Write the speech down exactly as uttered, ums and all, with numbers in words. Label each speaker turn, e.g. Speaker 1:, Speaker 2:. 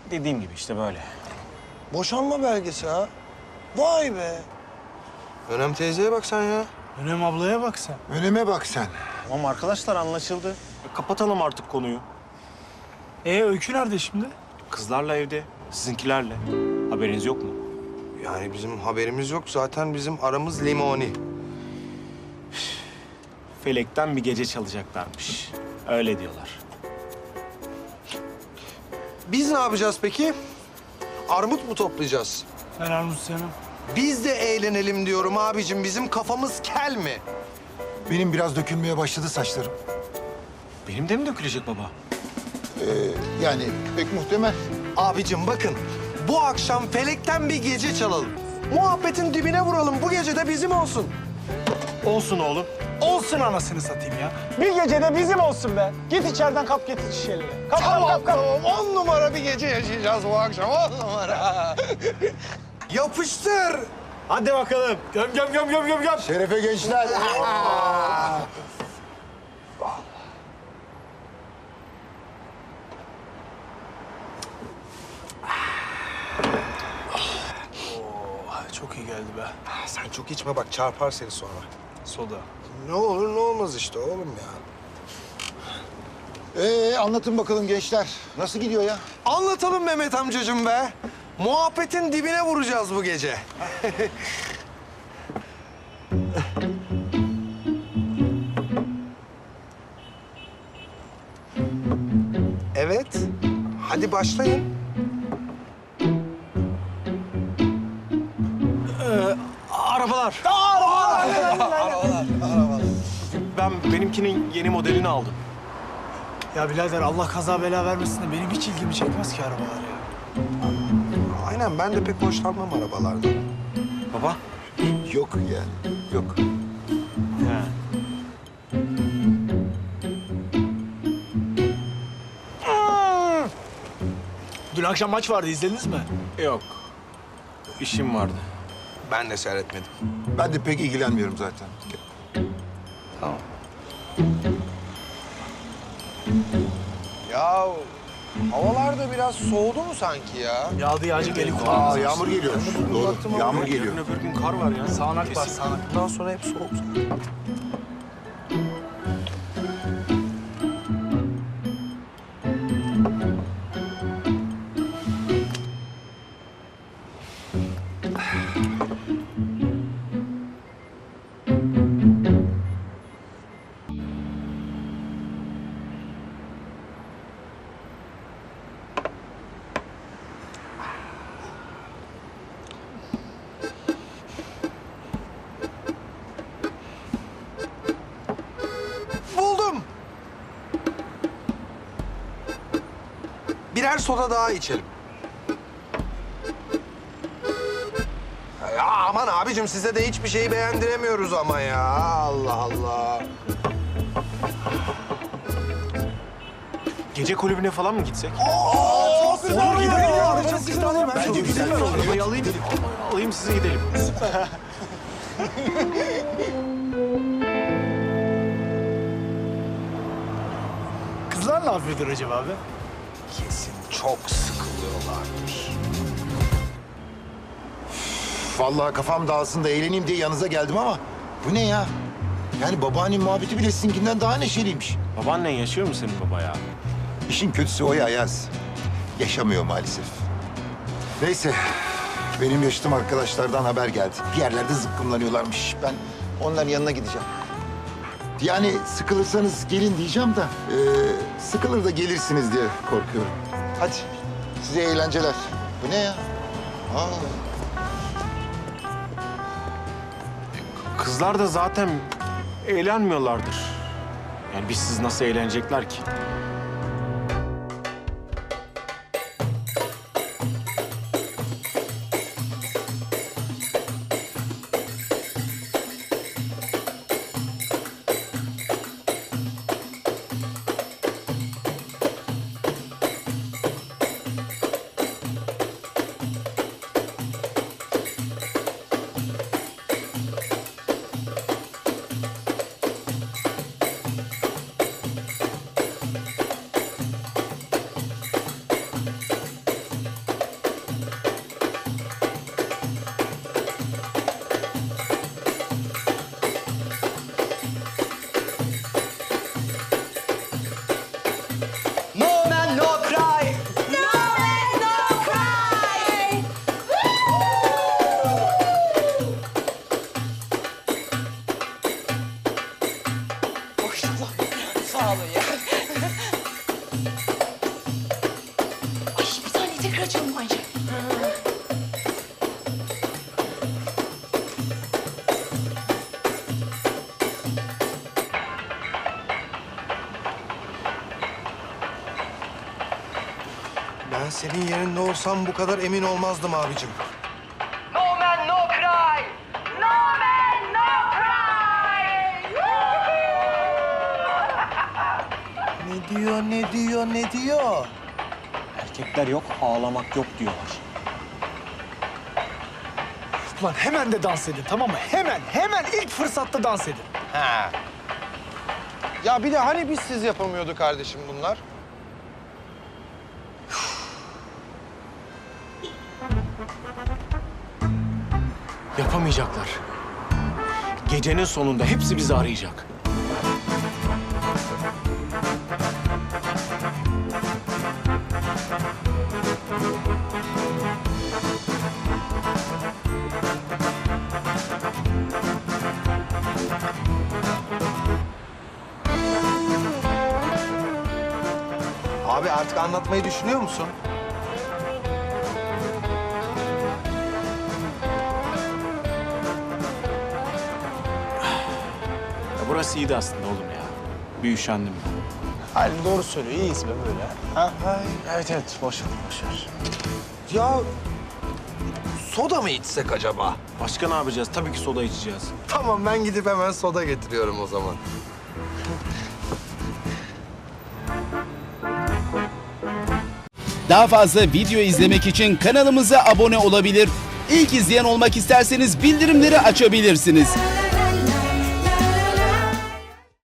Speaker 1: Dediğim gibi işte böyle.
Speaker 2: Boşanma belgesi ha. Vay be. Önem teyzeye bak sen ya.
Speaker 3: Önem ablaya bak sen.
Speaker 4: Öneme bak sen.
Speaker 1: Tamam arkadaşlar anlaşıldı. Kapatalım artık konuyu.
Speaker 3: Ee Öykü nerede şimdi?
Speaker 1: Kızlarla evde, sizinkilerle. Haberiniz yok mu?
Speaker 2: Yani bizim haberimiz yok. Zaten bizim aramız limoni.
Speaker 1: Felekten bir gece çalacaklarmış. Öyle diyorlar.
Speaker 2: Biz ne yapacağız peki? Armut mu toplayacağız?
Speaker 3: Ben Armut canım.
Speaker 2: Biz de eğlenelim diyorum abicim. Bizim kafamız kel mi?
Speaker 4: Benim biraz dökülmeye başladı saçlarım.
Speaker 1: Benim de mi dökülecek baba?
Speaker 4: Ee, yani pek muhtemel.
Speaker 2: Abicim bakın. Bu akşam felekten bir gece çalalım. Muhabbetin dibine vuralım. Bu gece de bizim olsun.
Speaker 1: Olsun oğlum.
Speaker 3: Olsun anasını satayım ya. Bir gecede bizim olsun be. Git içeriden kap getir şişeleri. Kap kap kap kap.
Speaker 2: Tamam, on numara bir gece yaşayacağız bu akşam. On numara. Yapıştır.
Speaker 1: Hadi bakalım.
Speaker 3: Göm göm göm göm göm göm.
Speaker 4: Şerefe gençler.
Speaker 3: Çok iyi geldi be.
Speaker 2: Sen çok içme bak çarpar seni sonra.
Speaker 3: Soda.
Speaker 2: Ne olur ne olmaz işte oğlum ya.
Speaker 4: Ee, anlatın bakalım gençler. Nasıl gidiyor ya?
Speaker 2: Anlatalım Mehmet amcacığım be. Muhabbetin dibine vuracağız bu gece. Evet. Hadi başlayın.
Speaker 1: Arabalar. Ben benimkinin yeni modelini aldım.
Speaker 3: Ya birader Allah kaza bela vermesin de benim hiç ilgimi çekmez ki arabalar ya.
Speaker 2: Aynen ben de pek hoşlanmam arabalardan.
Speaker 1: Baba.
Speaker 4: Yok yani. Yok.
Speaker 1: He.
Speaker 3: Dün akşam maç vardı izlediniz mi?
Speaker 1: Yok. İşim vardı.
Speaker 2: Ben de seyretmedim.
Speaker 4: Ben de pek ilgilenmiyorum zaten.
Speaker 2: Ya havalar da biraz soğudu mu sanki ya?
Speaker 3: Yağdı yağacak eli
Speaker 4: Aa,
Speaker 3: kulağımız.
Speaker 4: yağmur geliyor. Doğru. Yağmur geliyor.
Speaker 1: Yarın öbür gün kar var ya.
Speaker 3: Sağanak var
Speaker 1: Kesin.
Speaker 3: sağanak.
Speaker 2: Bundan sonra hep soğuk. Buldum. Birer soda daha içelim. Ya aman abicim size de hiçbir şeyi beğendiremiyoruz ama ya. Allah Allah.
Speaker 1: Gece kulübüne falan mı gitsek?
Speaker 2: Çok güzel olur gidelim ya.
Speaker 3: Çok güzel olur.
Speaker 4: Bence güzel.
Speaker 1: Arabayı alayım. Alayım size gidelim.
Speaker 3: Kızlar ne yapıyordur acaba abi?
Speaker 2: Kesin çok sıkılıyorlardır.
Speaker 4: Vallahi kafam dağılsın da eğleneyim diye yanınıza geldim ama bu ne ya? Yani babaannem muhabbeti bile sizinkinden daha neşeliymiş.
Speaker 1: Babaannen yaşıyor mu senin baba ya?
Speaker 4: İşin kötüsü o ya Yaz. Yaşamıyor maalesef. Neyse, benim yaşadığım arkadaşlardan haber geldi. Bir yerlerde zıkkımlanıyorlarmış. Ben onların yanına gideceğim. Yani sıkılırsanız gelin diyeceğim de... e, sıkılır da gelirsiniz diye korkuyorum. Hadi, size eğlenceler. Bu ne ya? Aa.
Speaker 1: Kızlar da zaten eğlenmiyorlardır. Yani biz siz nasıl eğlenecekler ki?
Speaker 5: tekrar açalım bence.
Speaker 2: Ben senin yerinde olsam bu kadar emin olmazdım abicim.
Speaker 6: No man, no cry. No man, no cry.
Speaker 2: Ne diyor, ne diyor, ne diyor?
Speaker 1: Erkekler yok, ağlamak yok diyorlar.
Speaker 3: Ulan hemen de dans edin tamam mı? Hemen, hemen ilk fırsatta dans edin.
Speaker 2: Ha. Ya bir de hani biz siz yapamıyordu kardeşim bunlar?
Speaker 1: Yapamayacaklar. Gecenin sonunda hepsi bizi arayacak.
Speaker 2: Abi artık anlatmayı düşünüyor musun?
Speaker 1: Ya burası iyiydi aslında oğlum ya. Bir üşendim ben.
Speaker 3: Halim doğru söylüyor. İyiyiz be böyle. Ha? Evet evet. Boş ver, boş ver.
Speaker 2: Ya soda mı içsek acaba?
Speaker 1: Başka ne yapacağız? Tabii ki soda içeceğiz.
Speaker 2: Tamam ben gidip hemen soda getiriyorum o zaman.
Speaker 7: Daha fazla video izlemek için kanalımıza abone olabilir. İlk izleyen olmak isterseniz bildirimleri açabilirsiniz.